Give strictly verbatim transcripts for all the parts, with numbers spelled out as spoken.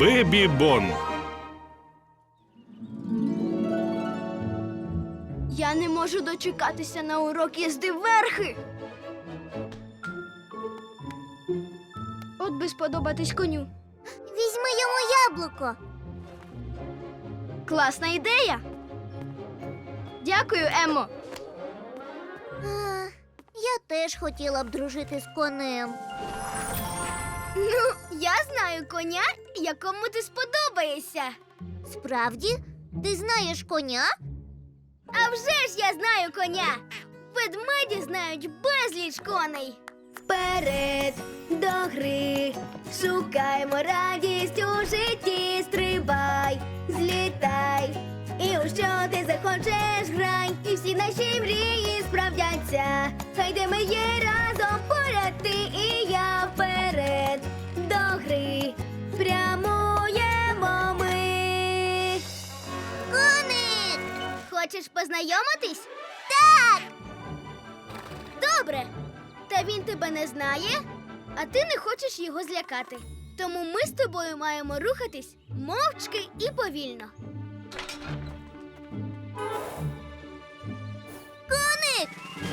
Бебі Бон. Я не можу дочекатися на урок їзди верхи. От би сподобатись коню. Візьми йому яблуко. Класна ідея. Дякую, Еммо. А, я теж хотіла б дружити з конем. Ну, я знаю коня, якому ти сподобаєшся. Справді? Ти знаєш коня? А вже ж я знаю коня. Ведмеді знають безліч коней. Вперед до гри, шукаймо радість у житті, стрибай, злітай. І у що ти захочеш, грай, і всі наші мрії справдяться. Хай де ми є разом поряд, ти і я. Вперед до гри прямуємо ми. Коник! Хочеш познайомитись? Так! Добре. Та він тебе не знає, а ти не хочеш його злякати. Тому ми з тобою маємо рухатись мовчки і повільно. Коник!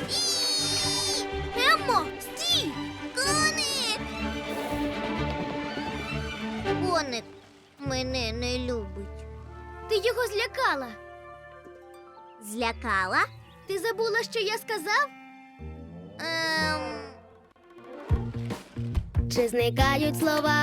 Еммо, стій! Коник! Коник мене не любить. Ти його злякала. Злякала? Ти забула, що я сказав? Ем... Чи зникають слова,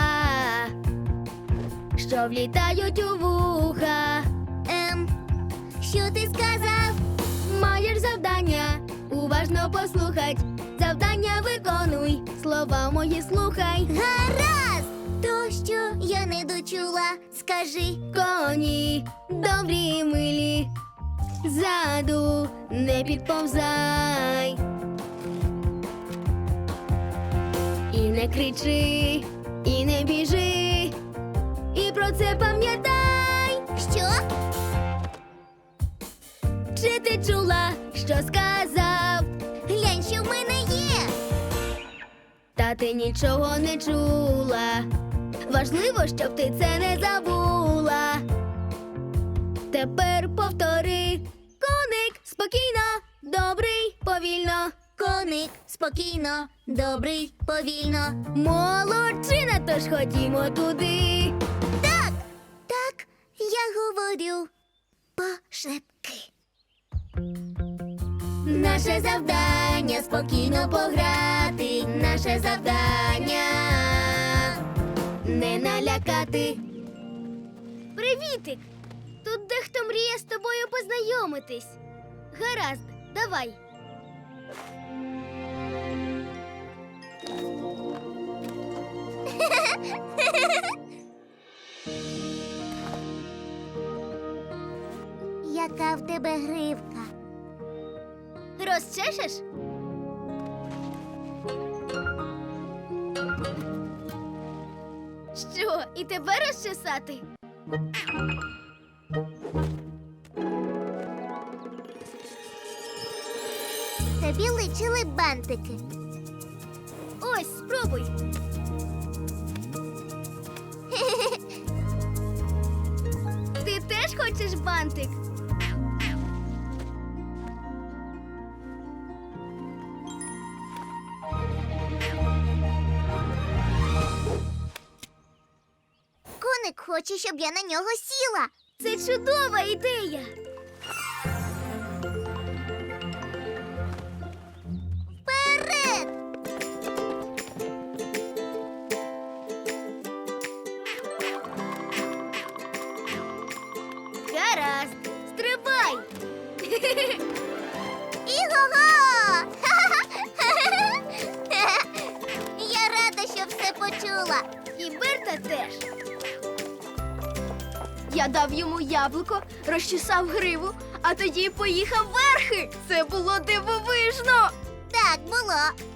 що влітають у вуха? Ем... Що ти сказав? Маєш завдання, уважно послухать. Завдання виконуй, слова мої слухай. Гаразд! То, що я не дочула, скажи. Коні добрі й милі, ззаду не підповзай. І не кричи, і не біжи, і про це пам'ятай. Що? Чи ти чула, що сказав? Глянь, що в мене є. Та ти нічого не чула. Важливо, щоб ти це не забула. Тепер повтори. Коник спокійно, добрий, повільно. Коник спокійно, добрий, повільно. Молодчина, тож ходімо туди. Так, так, я говорю пошепки. Наше завдання спокійно пограти. Наше завдання Не налякати. Привітик! Тут дехто мріє з тобою познайомитись. Гаразд, давай. Яка в тебе гривка? Розчешеш? Що, і тебе розчесати? Тобі личили бантики. Ось, спробуй. Ти теж хочеш бантик? Коник хоче, щоб я на нього сіла. Це чудова ідея. Вперед! Гаразд, стрибай. Іго-го! Я рада, що все почула. І Берта теж. Я дав йому яблуко, розчесав гриву, а тоді поїхав верхи. Це було дивовижно. Так було.